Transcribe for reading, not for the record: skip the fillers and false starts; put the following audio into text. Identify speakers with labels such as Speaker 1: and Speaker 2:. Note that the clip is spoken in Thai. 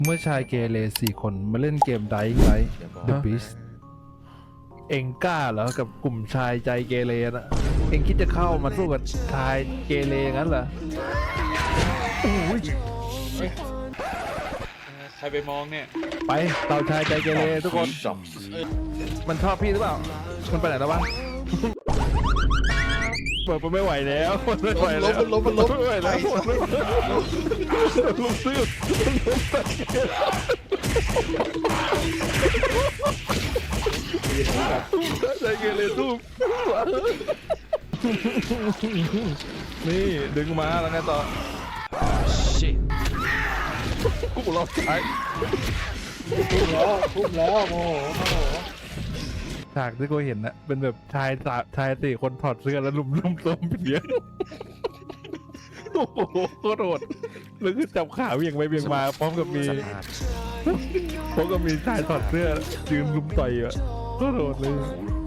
Speaker 1: เมื่อชายเกเร4 คนมาเล่นเกม Dying Light The Beast เองกล้าเหรอกับกลุ่มชายใจเกเรนะเองคิดจะเข้ามาสู้กับชายเกเรงั้นเหรอโอ้ย
Speaker 2: ใครไปมองเนี่ย
Speaker 1: ไปเต่าชายใจเกเรทุกคนมันชอบพี่หรือเปล่ามันไปไหนแล้ววะเปิดมันไม่ไหวแล้วมันไม่ไหวแล้วมันไม่ไหวแล้วลุกซื้อใจเกเรทุบนี่ดึงมาแล้วไงต่อกูรอบท้าย
Speaker 3: ทุ่มแล้วโมโห
Speaker 1: ฉากที่กูเห็นนะเป็นแบบชายสี่คนถอดเสื้อแล้วลุมต้มเพี้ยโอ้โหโคตรโหดแล้วคือจับขาเวียงไปเวียงมาพร้อมกับมีชายถอดเสื้อยืนลุมต่อยอ่ะโคตรโหดเลย